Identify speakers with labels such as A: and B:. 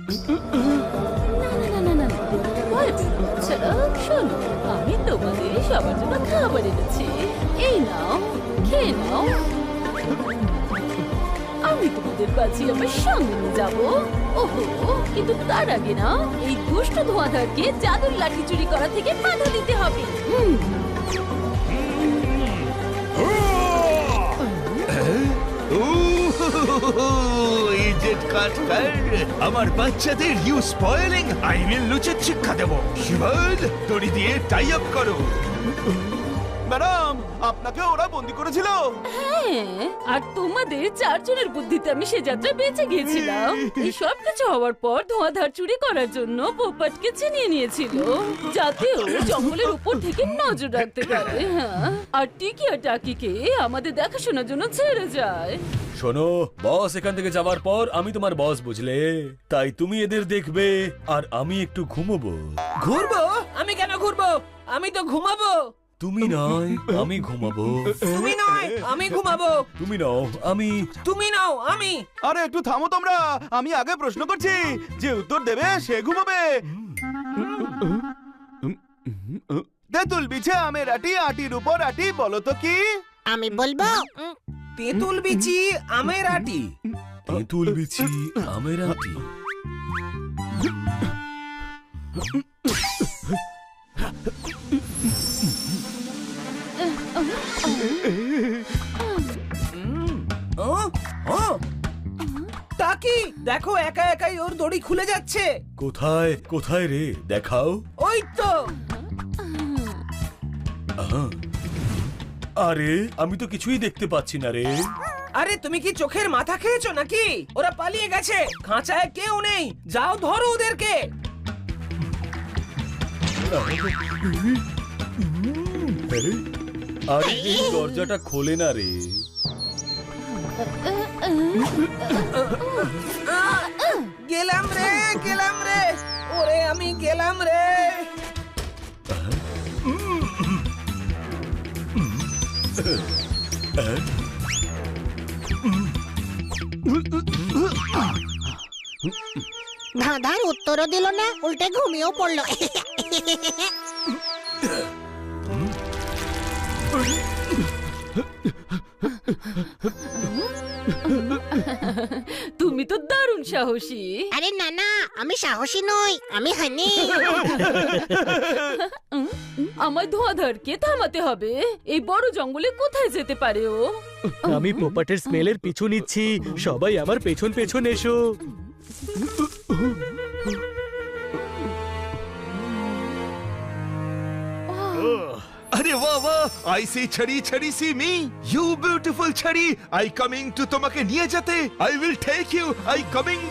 A: শোনো, আমি তোমাদের সবার জন্য খাবার এনেছি। এই নাও, খেয়ে নাও। আমি তোমাদের বাজি আমার সঙ্গে নিয়ে যাবো। ওহো, কিন্তু তার আগে না এই দুষ্ট ধোঁয়াধারকে জাদুর লাঠি চুরি করা থেকে বাধা দিতে হবে।
B: আমার বাচ্চাদের ইউ স্পয়েলিং আইনের লুচের শিক্ষা দেব। শিবল, দড়ি দিয়ে টাই আপ করো।
C: ম্যাডাম, আপনাকে ওরা বন্দি করেছিল।
A: হ্যাঁ, আর তোমাদের চারজনের বুদ্ধিতে আমি সে যাত্রা বেঁচে গিয়েছিলাম। এই সব কিছু হওয়ার পর ধোঁয়াধার চুরি করার জন্য পোপটকে চিনিয়ে নিয়েছিল, যাতে ও জঙ্গলের উপর থেকে নজর রাখতে পারে। হ্যাঁ, আর টিকি আর টাকিকে আমাদের দেখাশোনার জন্য ছেড়ে যায়।
D: শোনো বস, এখান থেকে যাওয়ার পর আমি তোমার বস, বুঝলে? তাই তুমি এদের দেখবে আর আমি একটু ঘুমোবো।
E: ঘুরবো? আমি কেন ঘুরবো? আমি তো ঘুমাবো।
D: তুমি নয়, আমি ঘুমাবো।
E: তুমি নয়, আমি ঘুমাবো।
D: তুমি নাও, আমি।
E: তুমি নাও, আমি।
C: আরে একটু থামো তোমরা, আমি আগে প্রশ্ন করছি, যে উত্তর দেবে সে ঘুমাবে। তেঁতুল বিছে আমের আটি, আটির উপর আটি, বলো তো কি?
F: আমি বলবো
E: তেঁতুল বিচি আমের আটি।
D: তেঁতুল বিচি আমের আটি।
E: টাকি, দেখো একা একাই ওর দড়ি খুলে যাচ্ছে।
D: কোথায় কোথায় রে, দেখাও।
E: ওই তো।
D: আরে আমি তো কিছুই দেখতে পাচ্ছি না রে।
E: আরে তুমি কি চোখের মাথা খেয়েছো নাকি? ওরা পালিয়ে গেছে, খাঁচায় কেউ নেই। যাও ধরো ওদেরকে।
D: আরে এই দরজাটা খোলে না রে।
E: গেলাম রে, গেলাম রে। ওরে আমি গেলাম রে।
F: ধাঁধার উত্তরও দিল না, উল্টে ঘুমিয়েও পড়লো।
A: তুমি তো দারুণ সাহসী।
F: আরে না না, আমি সাহসী নই, আমি হানি।
A: আমার ধোঁয়াধারকে থামাতে হবে। এই বড় জঙ্গলে কোথায় যেতে পারে ও?
G: আমি পোপটের স্মেলের পিছু নিচ্ছি, সবাই আমার পেছন পেছন এসো।
B: আরে বাহ বাহ, আই সি ছড়ি ছড়ি সি মি, ইউ বিউটিফুল ছড়ি, আই কামিং টু তোমাকে নিয়ে যেতে। I will take you, I coming.